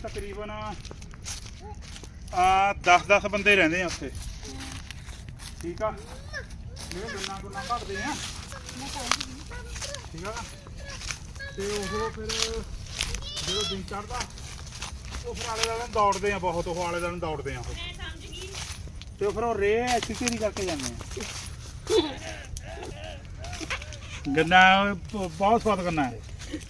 Speaker 4: 10 ਬੰਦੇ ਰਹਿੰਦੇ ਆ ਉੱਥੇ ਠੀਕ ਆ ਇਹ ਗੁੰਨਾ ਭਰਦੇ ਆ ਠੀਕ ਆ ਤੇ ਉਹ ਫਿਰ ਜਦੋਂ ਦਿਨ ਚੜਦਾ ਉਹ ਫਿਰ ਆਲੇ ਦੁਆਲੇ ਦੌੜਦੇ ਆ ਬਹੁਤ ਉਹ ਆਲੇ ਦੁਆਲੇ ਦੌੜਦੇ ਆ ਉਹ ਤੇ ਫਿਰ ਉਹ ਰੇ ਐਕਸਰਸਾਈਜ਼ ਨਹੀਂ ਕਰਕੇ ਜਾਂਦੇ ਆ ਗੰਨਾ ਬਹੁਤ ਸਵਾਦ ਕਰਨਾ ਹੈ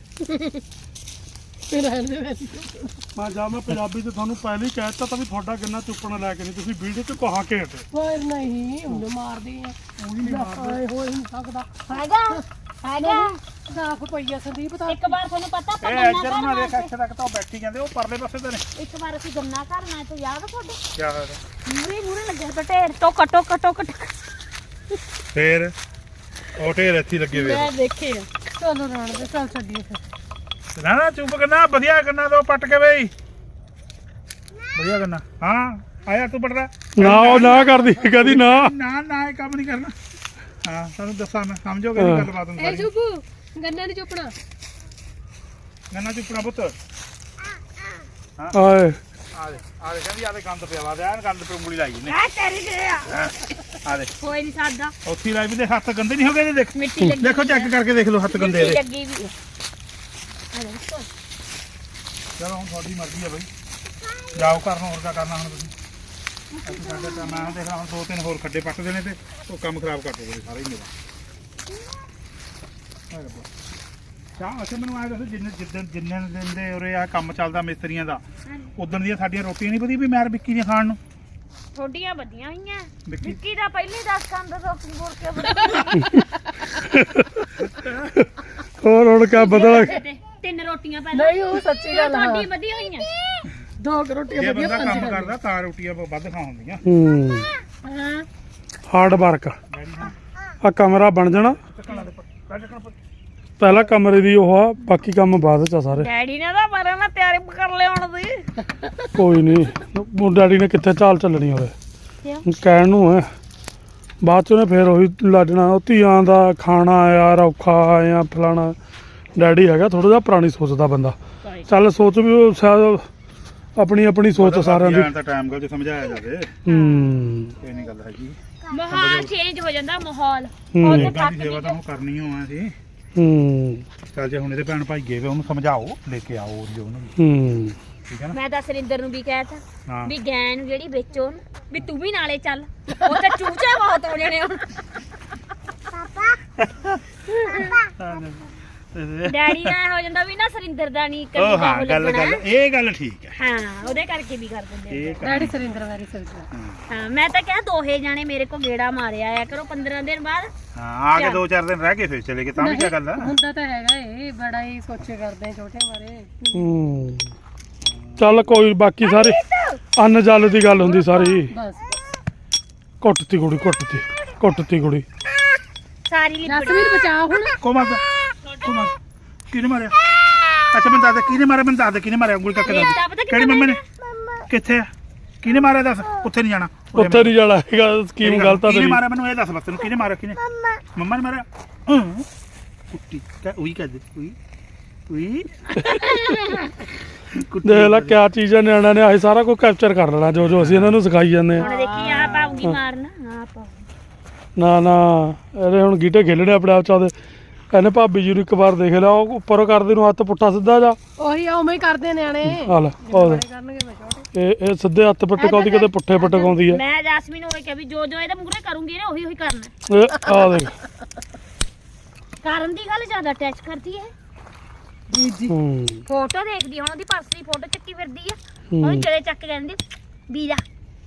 Speaker 3: ਮੈਂ ਪੰਜਾਬੀ ਤੇ ਤੁਹਾਨੂੰ ਪਹਿਲਾਂ ਹੀ ਕਹਿ ਦਿੱਤਾ ਤਾਂ ਵੀ ਤੁਹਾਡਾ ਗੰਨਾ ਚੁੱਪਣਾ ਲੈ ਕੇ ਨਹੀਂ ਤੁਸੀਂ ਵੀਡੀਓ 'ਚ ਕਹਾ ਕੇ ਹਟੇ
Speaker 1: ਓਏ ਨਹੀਂ ਉਹਨੂੰ ਮਾਰਦੀ ਆ ਉਹ ਨਹੀਂ ਮਾਰਦੇ ਹੋ ਹੀ ਨਹੀਂ ਸਕਦਾ
Speaker 2: ਹੈਗਾ
Speaker 1: ਸਾਫ ਪਈਆ ਸੰਦੀਪ ਤਾਂ
Speaker 2: ਇੱਕ ਵਾਰ ਤੁਹਾਨੂੰ ਪਤਾ ਆਪਾਂ
Speaker 4: ਇਹ
Speaker 2: ਗੰਨਾ
Speaker 4: ਇੱਧਰ ਨਾ ਦੇਖ
Speaker 2: ਘਰ
Speaker 4: ਇੱਥੇ ਤੱਕ ਤਾਂ ਉਹ ਬੈਠੀ ਜਾਂਦੇ ਉਹ ਪਰਲੇ ਪਾਸੇ ਤੇ ਨੇ
Speaker 2: ਇੱਕ ਵਾਰ ਅਸੀਂ ਗੰਨਾ ਘਰ ਨਾਲ ਤੇ ਯਾਦ ਆ ਤੁਹਾਡੇ
Speaker 4: ਕੀ ਹੋਇਆ
Speaker 2: ਮੂਰੇ ਲੱਗੇ ਤਾਂ ਢੇਰ ਟੋਕ
Speaker 4: ਫੇਰ ਉਹ ਢੇਰ ਇੱਥੇ ਲੱਗੇ ਵੇ
Speaker 1: ਮੈਂ ਦੇਖੇ ਆ ਚਲੋ ਰਾਣ ਦੇ ਚੱਲ ਛੱਡੀਏ ਫਿਰ
Speaker 4: ਨਾ ਚੁੱਪ ਕਰਨਾ ਵਧੀਆ ਗੰਨਾ ਦੋ ਪੱਟ ਕੇ ਬਈ ਵਧੀਆ ਗੰਨਾ ਹਾਂ ਆਇਆ ਤੂੰ ਪੜਦਾ
Speaker 3: ਨਾ ਉਹ ਨਾ ਕਰਦੀ ਕਹਦੀ ਨਾ
Speaker 4: ਨਾ ਇਹ ਕੰਮ ਨਹੀਂ ਕਰਨਾ ਹਾਂ ਤੁਹਾਨੂੰ ਦੱਸਾਂ ਮੈਂ ਸਮਝੋਗੇ ਨਹੀਂ ਗੱਲਬਾਤ ਨੂੰ
Speaker 1: ਇਹ
Speaker 4: ਸਾਰੀ
Speaker 1: ਚੁੱਪ ਗੰਨਾ ਨਹੀਂ ਚੁੱਪਣਾ
Speaker 4: ਗੰਨਾ ਚੁੱਪਣਾ ਪੁੱਤ
Speaker 3: ਆਏ
Speaker 4: ਆ ਦੇ ਕਹਿੰਦੀ ਆ ਦੇ ਗੰਦ ਪਿਆ ਵਾ ਦੇ ਗੰਦ ਤੇ ਉਂਗਲੀ ਲਾਈ ਨੇ
Speaker 2: ਆ ਤੇਰੀ ਦੇ
Speaker 4: ਆ ਦੇ
Speaker 2: ਕੋਈ ਨਹੀਂ ਸਾਦਾ
Speaker 4: ਉੱਥੇ ਲਾਈ ਵੀ ਦੇ ਹੱਥ ਗੰਦੇ ਨਹੀਂ ਹੋ ਗਏ ਦੇਖ
Speaker 2: ਮਿੱਟੀ ਲੱਗੀ
Speaker 4: ਦੇਖੋ ਚੈੱਕ ਕਰਕੇ ਦੇਖ ਲਓ ਹੱਥ ਗੰਦੇ ਇਹਦੇ
Speaker 2: ਲੱਗੀ ਵੀ ਆ ਦੇਖੋ
Speaker 4: ਚਲੋ ਹੁਣ ਤੁਹਾਡੀ ਮਰਜ਼ੀ ਆ ਬਈ ਜਾਓ ਕਰਨਾ ਹੋਰ ਕਿਆ ਕਰਨਾ ਹੁਣ ਤੁਸੀਂ ਅਸੀਂ ਸਾਡੇ ਤਾਂ ਮੈਂ ਦੇਖ ਲਾ ਹੁਣ 2-3 ਹੋਰ ਖੱਡੇ ਪੱਟ ਦੇਣੇ ਤੇ ਉਹ ਕੰਮ ਖਰਾਬ ਕਰ ਦੋਗੇ ਸਾਰੇ ਹੀ ਮੇਰਾ ਚਾਹ ਅਸੀਂ ਮੈਨੂੰ ਆਇਆ ਦੱਸੋ ਜਿੰਨੇ ਦਿਨ ਦੇ ਉਰੇ ਆ ਕੰਮ ਚੱਲਦਾ ਮਿਸਤਰੀਆਂ ਦਾ ਉਦੋਂ ਦੀਆਂ ਸਾਡੀਆਂ ਰੋਟੀਆਂ ਨਹੀਂ ਵਧੀਆ ਵੀ ਮੈਰ ਵਿੱਕੀ ਦੀਆਂ ਖਾਣ ਨੂੰ
Speaker 2: ਥੋਡੀਆਂ ਵਧੀਆਂ ਹੋਈਆਂ
Speaker 4: ਵਿੱਕੀ
Speaker 2: ਵਿੱਕੀ ਦਾ ਪਹਿਲੇ 10 ਕੰਦ ਸੋਕੀ ਬੋਲ ਕੇ
Speaker 3: ਹੋਰ ਹੁਣ ਕਿਆ ਬਦਲ
Speaker 2: 3 ਰੋਟੀਆਂ ਪਹਿਲਾਂ
Speaker 1: ਨਹੀਂ ਉਹ ਸੱਚੀ ਗੱਲ ਆ
Speaker 2: ਥੋਡੀ ਵਧੀਆ ਹੋਈਆਂ
Speaker 1: 2 ਰੋਟੀਆਂ
Speaker 4: ਜੇ
Speaker 1: ਵਧੀਆ
Speaker 4: ਬੰਦਾ ਕੰਮ
Speaker 1: 5
Speaker 4: ਕਰਦਾ ਤਾਂ ਰੋਟੀਆਂ ਵੱਧ ਖਾ ਹੁੰਦੀਆਂ
Speaker 1: ਹਾਂ
Speaker 3: ਹਾਰਡ ਵਰਕ ਆ ਕਮਰਾ ਬਣ ਜਾਣਾ
Speaker 4: ਚੱਕਣਾ ਦੇ ਪਰ
Speaker 3: ਪਹਿਲਾ ਕਮਰੇ ਦੀ ਉਹ ਆ ਬਾਕੀ ਕੰਮ ਬਾਅਦ ਚ ਆ ਸਾਰੇ
Speaker 2: ਡੈਡੀ ਨੇ ਤਾਂ ਮਾਰਿਆ ਨਾ ਤਿਆਰੀ ਕਰ ਲਿਆਉਣ ਦੀ
Speaker 3: ਕੋਈ ਨਹੀਂ ਉਹ ਡੈਡੀ ਨੇ ਕਿੱਥੇ ਚਾਲ ਚੱਲਣੀ ਹੋਵੇ
Speaker 2: ਕਿਉਂ?
Speaker 3: ਕਹਿਣ ਨੂੰ ਹੈ ਬਾਅਦ ਚ ਉਹਨੇ ਫੇਰ ਉਹੀ ਲੱਜਣਾ ਉਹ ਧੀਆਂ ਦਾ ਖਾਣਾ ਯਾਰ ਔਖਾ ਆ ਫਲਾਣਾ ਡੈਡੀ ਹੈਗਾ ਥੋੜਾ ਜਿਹਾ ਪੁਰਾਣੀ ਸੋਚਦਾ ਬੰਦਾ ਚੱਲ ਸੋਚ ਵੀ ਉਹ ਸ਼ਾਇਦ ਆਪਣੀ ਸੋਚ ਸਾਰਿਆਂ ਦੀ
Speaker 4: ਤਾਂ ਟਾਈਮ ਗੱਲ ਚ ਸਮਝਾਇਆ ਜਾਵੇ ਕੋਈ ਨਹੀਂ ਗੱਲ ਹੈਗੀ
Speaker 2: ਮਾਹੌਲ ਚੇਂਜ ਹੋ ਜਾਂਦਾ ਮਾਹੌਲ
Speaker 3: ਹੂੰ।
Speaker 2: ਉਹਦੇ
Speaker 4: ਲੋਕਾਂ
Speaker 2: ਤੱਕ
Speaker 4: ਦੀ ਸੇਵਾ ਤਾਂ ਹੁਣ ਕਰਨੀ ਹੋਆ ਸੀ ਚੱਲ ਜੇ ਹੁਣ ਇਹਦੇ ਭੈਣ ਭਾਈ ਗਏ ਵੇ ਉਹਨੂੰ ਸਮਝਾਓ ਲੈ ਕੇ ਆਓ ਜੋ ਉਹਨੂੰ ਠੀਕ ਹੈ ਨਾ
Speaker 2: ਮੈਂ ਤਾਂ ਸਰਿੰਦਰ ਨੂੰ ਵੀ ਕਹਿਤਾ
Speaker 4: ਹਾਂ
Speaker 2: ਵੀ ਗੈਂ ਨੂੰ ਜਿਹੜੀ ਵੇਚੋ ਉਹਨੂੰ ਵੀ ਤੂੰ ਵੀ ਨਾਲੇ ਚੱਲ ਉਹ ਤਾਂ ਚੂਚੇ ਬਹੁਤ ਹੋ ਜਾਣੇ ਹੁਣ ਡੈਡੀ ਦਾ ਹੋ ਜਾਂਦਾ ਵੀ ਨਾ ਸਰਿੰਦਰ ਦਾ ਨਹੀਂ
Speaker 4: ਉਹ ਹਾਂ ਗੱਲ ਇਹ ਗੱਲ ਠੀਕ ਹੈ
Speaker 2: ਹਾਂ ਉਹਦੇ ਕਰਕੇ ਵੀ ਕਰ ਦਿੰਦੇ ਆ।
Speaker 4: ਇਹ
Speaker 1: ਡੈਡੀ ਸਰਿੰਦਰ ਵੈਰੀ ਸਰਿੰਦਰ
Speaker 2: ਹਾਂ ਮੈਂ ਤਾਂ ਕਿਹਾ ਦੋਹੇ ਜਾਣੇ ਮੇਰੇ ਕੋ ਗੇੜਾ ਮਾਰਿਆ ਆਇਆ ਕਰੋ 15 ਦਿਨ ਬਾਅਦ
Speaker 4: ਹਾਂ ਆ ਕੇ 2-4 ਦਿਨ ਰਹਿ ਕੇ ਫਿਰ ਚਲੇ ਗਏ ਤਾਂ ਵੀ ਕੀ ਗੱਲ ਆ
Speaker 1: ਹੁੰਦਾ ਤਾਂ ਹੈਗਾ ਇਹ ਬੜਾ ਹੀ ਸੋਚੇ ਕਰਦੇ ਆ ਛੋਟੇ ਬਾਰੇ
Speaker 3: ਚੱਲ ਕੋਈ ਬਾਕੀ ਸਾਰੇ ਅੰਨ ਜਲ ਦੀ ਗੱਲ ਹੁੰਦੀ ਸਾਰੀ
Speaker 1: ਬਸ
Speaker 3: ਕੁੱਟਤੀ ਕੁੜੀ
Speaker 2: ਸਾਰੀ ਲਿਬੜ
Speaker 1: ਜਸਵੀਰ ਬਚਾ ਹੁਣ
Speaker 4: ਕੋਮਾ ਕਿੱਥੋਂ ਮਾਰ ਕਿਹਨੇ ਮਾਰਿਆ ਅੱਛਾ ਮੈਨੂੰ ਦੱਸ ਦੇ ਕਿਹਨੇ ਮਾਰਿਆ ਮੈਨੂੰ ਦੱਸ ਦੇ ਕਿਹਨੇ ਮਾਰਿਆ ਉਂਗਲੀ ਕਰਕੇ ਦੱਸ ਦੇ। ਕਿਹੜੀ ਮੰਮੀ ਨੇ ਕਿੱਥੇ ਆ ਕਿਹਨੇ ਮਾਰਿਆ ਦੱਸ ਉੱਥੇ ਨਹੀਂ ਜਾਣਾ
Speaker 3: ਉੱਥੇ ਨਹੀਂ ਜਾਣਾ ਹੈਗਾ ਸਕੀਮ ਗਲਤ ਆ
Speaker 4: ਕਿਹਨੇ
Speaker 3: ਤੇਰੀ
Speaker 4: ਮਾਰਿਆ ਮੈਨੂੰ ਇਹ ਦੱਸ ਬਸ ਤੈਨੂੰ ਕਿਹਨੇ ਮਾਰਿਆ ਕਿਹਨੇ ਮੰਮਾ ਨੇ ਮਾਰਿਆ ਕੁੱਤੀ ਉਹੀ ਕਹਦੇ ਉਹੀ
Speaker 3: ਦੇਖ ਲੈ ਕਿਆ ਚੀਜ਼ ਆ ਨਿਆਣਿਆਂ ਨੇ ਆਹੀ ਸਾਰਾ ਕੁਝ ਕੈਪਚਰ ਕਰ ਲੈਣਾ ਜੋ ਅਸੀਂ ਇਹਨਾਂ ਨੂੰ ਸਿਖਾਈ ਜਾਂਦੇ ਆ
Speaker 2: ਹੁਣ ਦੇਖੀ ਆ ਪਾਉਗੀ ਮਾਰਨਾ ਹਾਂ ਪਾਉ
Speaker 3: ਨਾ ਇਹਦੇ ਹੁਣ ਗੀਟੇ ਖੇਲਣੇ ਆਪਣੇ ਆਪ ਚ ਉਹਦੇ ਇਹਨੇ ਭਾਬੀ ਜੀ ਨੂੰ ਇੱਕ ਵਾਰ ਦੇਖ ਲਿਆ ਉਹ ਉੱਪਰ ਕਰਦੇ ਨੂੰ ਹੱਥ ਪੁੱਠਾ ਸਿੱਧਾ ਜਾ
Speaker 1: ਉਹੀ ਉਵੇਂ ਹੀ ਕਰਦੇ ਨਿਆਣੇ
Speaker 3: ਆ ਲੈ ਉਹ ਦੇਖ।
Speaker 1: ਕਰਨਗੇ ਮੈਂ ਛੋਟੇ
Speaker 3: ਇਹ ਸਿੱਧੇ ਹੱਥ ਪਟਕਾਉਂਦੀ ਕਦੇ ਪੁੱਠੇ ਪਟਕਾਉਂਦੀ ਹੈ
Speaker 2: ਮੈਂ ਜਾਸਮੀਨ ਨੂੰ ਕਿਹਾ ਵੀ ਜੋ ਇਹਦੇ ਮੂਹਰੇ ਕਰੂੰਗੀ ਨਾ ਉਹੀ ਕਰਨਾ
Speaker 3: ਇਹ ਆ ਦੇਖ
Speaker 2: ਕਰਨ ਦੀ ਗੱਲ ਜ਼ਿਆਦਾ ਅਟੈਚ ਕਰਦੀ ਹੈ
Speaker 3: ਹੂੰ
Speaker 2: ਫੋਟੋ ਦੇਖਦੀ ਹੁਣ ਉਹਦੀ ਪਰਸ ਦੀ ਫੋਟੋ ਚੱਕੀ ਫਿਰਦੀ ਆ
Speaker 3: ਹੂੰ।
Speaker 2: ਉਹਨੂੰ ਚਲੇ ਚੱਕ ਕਹਿੰਦੀ ਵੀਰਾ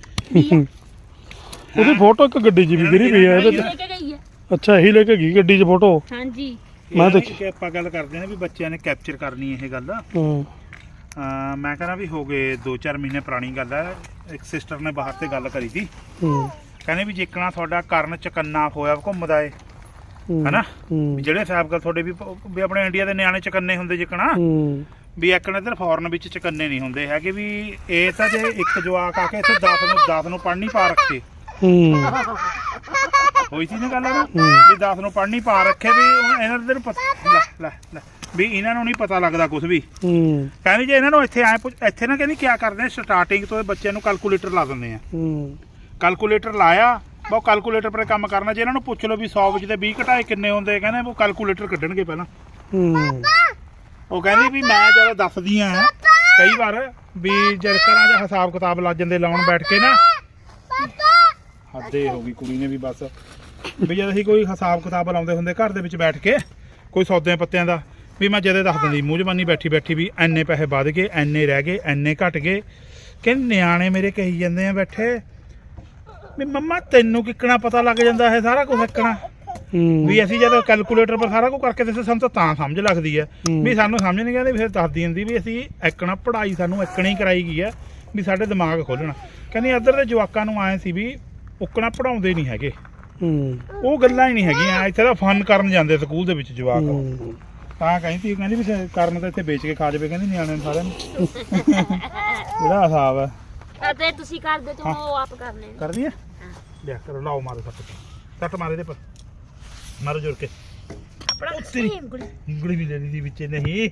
Speaker 3: ਉਹਦੀ ਫੋਟੋ ਇੱਕ ਗੱਡੀ 'ਚ ਵੀ ਗਿਰੀ ਪਈ ਹੈ ਇਹਦੇ
Speaker 2: ਲੈ
Speaker 3: ਚ
Speaker 2: ਕੇ ਗਈ ਹੈ
Speaker 3: ਅੱਛਾ ਇਹੀ ਲੈ ਕੇ ਗਈ ਗੱਡੀ 'ਚ ਫੋਟੋ
Speaker 2: ਹਾਂਜੀ
Speaker 3: ਮੈਂ ਦੇਖੀ
Speaker 4: ਕਿ ਆਪਾਂ ਗੱਲ ਕਰਦੇ ਨੇ ਵੀ ਬੱਚਿਆਂ ਨੇ ਕੈਪਚਰ ਕਰਨੀ ਇਹ ਗੱਲ
Speaker 3: ਹੂੰ
Speaker 4: ਮੈਂ ਕਹਿੰਦਾ ਵੀ ਹੋ ਗਏ 2-4 ਮਹੀਨੇ ਪੁਰਾਣੀ ਗੱਲ ਹੈ ਇੱਕ ਸਿਸਟਰ ਨੇ ਬਾਹਰ ਤੇ ਗੱਲ ਕਰੀ ਸੀ
Speaker 3: ਹੂੰ
Speaker 4: ਕਹਿੰਦੇ ਵੀ ਜਿੱਕਣਾ ਤੁਹਾਡਾ ਕਰਨ ਚਕੰਨਾ ਹੋਇਆ ਘੁੰਮਦਾ ਏ
Speaker 3: ਹੂੰ,
Speaker 4: ਹਨਾ
Speaker 3: ਹੂੰ
Speaker 4: ਵੀ ਜਿਹੜੇ ਸਾਹਿਬ ਗੱਲ ਤੁਹਾਡੇ ਵੀ ਆਪਣੇ ਇੰਡੀਆ ਦੇ ਨਿਆਣੇ ਚਕੰਨੇ ਹੁੰਦੇ ਜਿੱਕਣਾ
Speaker 3: ਹੂੰ
Speaker 4: ਵੀ ਇੱਕ ਨੇ ਇੱਧਰ ਫੋਰਨ ਵਿੱਚ ਚਕੰਨੇ ਨਹੀਂ ਹੁੰਦੇ ਹੈਗੇ ਵੀ ਇਹ ਤਾਂ ਜੇ ਇੱਕ ਜਵਾਕ ਆ ਕੇ ਇੱਥੇ 10 ਨੂੰ ਪੜ੍ਹਨੀ ਪਾ ਰੱਖੇ
Speaker 3: ਹੂੰ
Speaker 4: ਹੋਈ ਸੀ ਨਾ ਗੱਲ ਨਾ ਵੀ 10 ਨੂੰ ਪੜ੍ਹਨੀ ਪਾ ਰੱਖੇ ਵੀ ਇਹਨਾਂ ਦੇ ਲੈ ਵੀ ਇਹਨਾਂ ਨੂੰ ਨਹੀਂ ਪਤਾ ਲੱਗਦਾ ਕੁਝ ਵੀ
Speaker 3: ਹੂੰ
Speaker 4: ਕਹਿੰਦੀ ਜੇ ਇਹਨਾਂ ਨੂੰ ਇੱਥੇ ਆਏ ਇੱਥੇ ਨਾ ਕਹਿੰਦੀ ਕੀ ਕਰਦੇ ਆ ਸਟਾਰਟਿੰਗ ਤੋਂ ਇਹ ਬੱਚਿਆਂ ਨੂੰ ਕੈਲਕੂਲੇਟਰ ਲਾ ਦਿੰਦੇ ਆ
Speaker 3: ਹੂੰ
Speaker 4: ਕੈਲਕੂਲੇਟਰ ਲਾਇਆ ਉਹ ਕੈਲਕੂਲੇਟਰ 'ਤੇ ਕੰਮ ਕਰਨਾ ਜੇ ਇਹਨਾਂ ਨੂੰ ਪੁੱਛ ਲਓ ਵੀ 100 ਵਿੱਚ ਦੇ 20 ਘਟਾਏ ਕਿੰਨੇ ਹੁੰਦੇ ਕਹਿੰਦੇ ਉਹ ਕੈਲਕੂਲੇਟਰ ਕੱਢਣਗੇ ਪਹਿਲਾਂ
Speaker 3: ਹੂੰ
Speaker 4: ਉਹ ਕਹਿੰਦੀ ਵੀ ਮੈਂ ਜਦੋਂ ਦੱਸਦੀ ਆ ਕਈ ਵਾਰ ਵੀ ਜਦ ਘਰਾਂ 'ਚ ਹਿਸਾਬ ਕਿਤਾਬ ਲੱਗ ਜਾਂਦੇ ਲਾਉਣ ਬੈਠ ਕੇ ਨਾ ਹੱਦੇ ਹੋ ਗਈ ਕੁੜੀ ਨੇ ਵੀ ਬਸ ਵੀ ਜਦ ਅਸੀਂ ਕੋਈ ਹਿਸਾਬ ਕਿਤਾਬ ਲਾਉਂਦੇ ਹੁੰਦੇ ਘਰ ਦੇ ਵਿੱਚ ਬੈਠ ਕੇ ਕੋਈ ਸੌਦਿਆਂ ਪੱਤਿਆਂ ਦਾ ਵੀ ਮੈਂ ਜਦੇ ਦੱਸ ਦਿੰਦੀ ਮੂੰਹ ਜ਼ਬਾਨੀ ਬੈਠੀ ਵੀ ਐਨੇ ਪੈਸੇ ਵੱਧ ਗਏ ਐਨੇ ਰਹਿ ਗਏ ਐਨੇ ਘਟ ਗਏ ਕਹਿੰਦੇ ਨਿਆਣੇ ਮੇਰੇ ਕਹੀ ਜਾਂਦੇ ਆ ਬੈਠੇ ਵੀ ਮੰਮਾ ਤੈਨੂੰ ਕਿੱਕਣਾ ਪਤਾ ਲੱਗ ਜਾਂਦਾ ਇਹ ਸਾਰਾ ਕੁਝ ਇੱਕਣਾ
Speaker 3: ਹੂੰ
Speaker 4: ਵੀ ਅਸੀਂ ਜਦੋਂ ਕੈਲਕੂਲੇਟਰ ਪਰ ਸਾਰਾ ਕੁਝ ਕਰਕੇ ਦੱਸੇ ਸਾਨੂੰ ਤਾਂ ਸਮਝ ਲੱਗਦੀ ਹੈ ਵੀ ਸਾਨੂੰ ਸਮਝ ਨਹੀਂ ਆਉਂਦੀ ਫਿਰ ਦੱਸਦੀ ਹੁੰਦੀ ਵੀ ਅਸੀਂ ਇੱਕਣਾ ਪੜ੍ਹਾਈ ਸਾਨੂੰ ਇੱਕਣੀ ਕਰਾਈ ਗਈ ਹੈ ਵੀ ਸਾਡੇ ਦਿਮਾਗ ਖੋਲ੍ਹਣਾ ਕਹਿੰਦੀ ਇੱਧਰ ਦੇ ਜਵਾਕਾਂ ਨੂੰ ਆਏ ਸੀ ਵੀ ਉੱਕਣਾ ਪੜਾਉਂਦੇ ਨਹੀਂ ਹੈਗੇ
Speaker 3: ਹੂੰ
Speaker 4: ਉਹ ਗੱਲਾਂ ਹੀ ਨਹੀਂ ਹੈਗੀਆਂ ਇੱਥੇ ਤਾਂ ਫਨ ਕਰਨ ਜਾਂਦੇ ਸਕੂਲ ਦੇ ਵਿੱਚ ਜਵਾਕ
Speaker 3: ਹੂੰ
Speaker 4: ਤਾਂ ਕਹਿੰਦੀ ਵੀ ਕਰਨ ਤਾਂ ਇੱਥੇ ਵੇਚ ਕੇ ਖਾ ਜਾਵੇ ਕਹਿੰਦੀ ਨਿਆਣਿਆਂ ਨੂੰ ਸਾਰਿਆਂ ਨੂੰ ਜਿਹੜਾ ਹਿਸਾਬ ਹੈ
Speaker 2: ਅਤੇ ਤੁਸੀਂ ਕਰਦੇ ਤੋਂ ਉਹ ਆਪ ਕਰਨੇ ਨੇ
Speaker 4: ਕਰਦੀ ਹੈ ਲਿਆ ਕਰੋ ਲਾਓ ਮਾਰੋ ਸੱਟ ਮਾਰੇ ਦੇ ਪਰ ਮਾਰੋ ਜੋਰ ਕੇ
Speaker 2: ਆਪਣਾ
Speaker 4: ਤੇਰੀ
Speaker 2: ਉਂਗਲੀ
Speaker 4: ਉਂਗਲੀ ਵੀ ਲੈ ਲਈ ਦੀ ਵਿੱਚ ਨਹੀਂ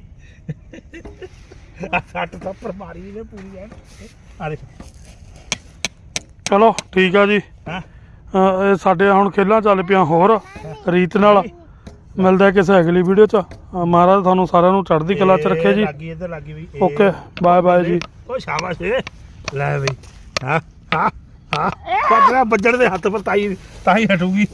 Speaker 4: ਆ ਸੱਟ ਤਾਂ ਪਰ ਮਾਰੀ ਨੇ ਪੂਰੀ ਐ ਆ ਦੇਖ
Speaker 3: ਚਲੋ ਠੀਕ ਆ ਜੀ
Speaker 4: ਹਾਂ
Speaker 3: ਇਹ ਸਾਡੇ ਹੁਣ ਖੇਲਾਂ ਚੱਲ ਪਿਆ ਹੋਰ ਰੀਤ ਨਾਲ ਮਿਲਦਾ ਕਿਸੇ ਅਗਲੀ ਵੀਡੀਓ 'ਚ ਮਹਾਰਾਜ ਤੁਹਾਨੂੰ ਸਾਰਿਆਂ ਨੂੰ ਚੜ੍ਹਦੀ ਕਲਾ 'ਚ ਰੱਖੇ ਜੀ
Speaker 4: ਲੱਗੀ ਇੱਧਰ ਲੱਗੀ ਵੀ
Speaker 3: ਓਕੇ ਬਾਏ ਬਾਏ ਜੀ
Speaker 4: ਉਹ ਸ਼ਾਬਾਸ਼ ਲੈ ਬਈ ਹਾਂ ਹਾਂ ਹਾਂ ਪੱਤਰਾ ਵੱਜਣ ਦੇ ਹੱਥ ਪਰ ਤਾਂ ਹੀ ਹਟੂਗੀ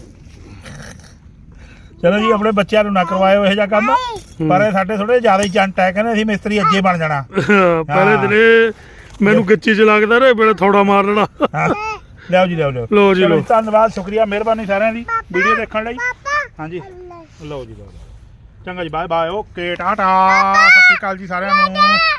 Speaker 4: ਚਲੋ ਜੀ ਆਪਣੇ ਬੱਚਿਆਂ ਨੂੰ ਨਾ ਕਰਵਾਇਓ ਇਹ ਜਿਹਾ ਕੰਮ ਪਰ ਇਹ ਸਾਡੇ ਥੋੜੇ ਜ਼ਿਆਦਾ ਹੀ ਚੰਟ ਹੈ ਕਹਿੰਦੇ ਅਸੀਂ ਮਿਸਤਰੀ ਅੱਜੇ ਬਣ ਜਾਣਾ
Speaker 3: ਪਹਿਲੇ ਦਿਨੇ ਮੈਨੂੰ ਗਿੱਚੀ 'ਚ ਲੱਗਦਾ ਰੇ ਵੇਲੇ ਥੋੜਾ ਮਾਰ ਲੈਣਾ
Speaker 4: ਹਾਂ ਲਿਆਓ ਜੀ ਲਿਆਓ
Speaker 3: ਲਓ ਜੀ,
Speaker 4: ਚਲੋ
Speaker 3: ਲਓ।
Speaker 4: ਧੰਨਵਾਦ ਸ਼ੁਕਰੀਆ ਮਿਹਰਬਾਨੀ ਸਾਰਿਆਂ ਦੀ ਵੀਡੀਓ ਦੇਖਣ ਲਈ ਹਾਂਜੀ ਲਓ ਜੀ ਲਓ ਚੰਗਾ ਜੀ ਬਾਏ ਬਾਏ ਓਕੇ ਟਾਟਾ ਸਤਿ ਸ਼੍ਰੀ ਅਕਾਲ ਜੀ ਸਾਰਿਆਂ ਨੂੰ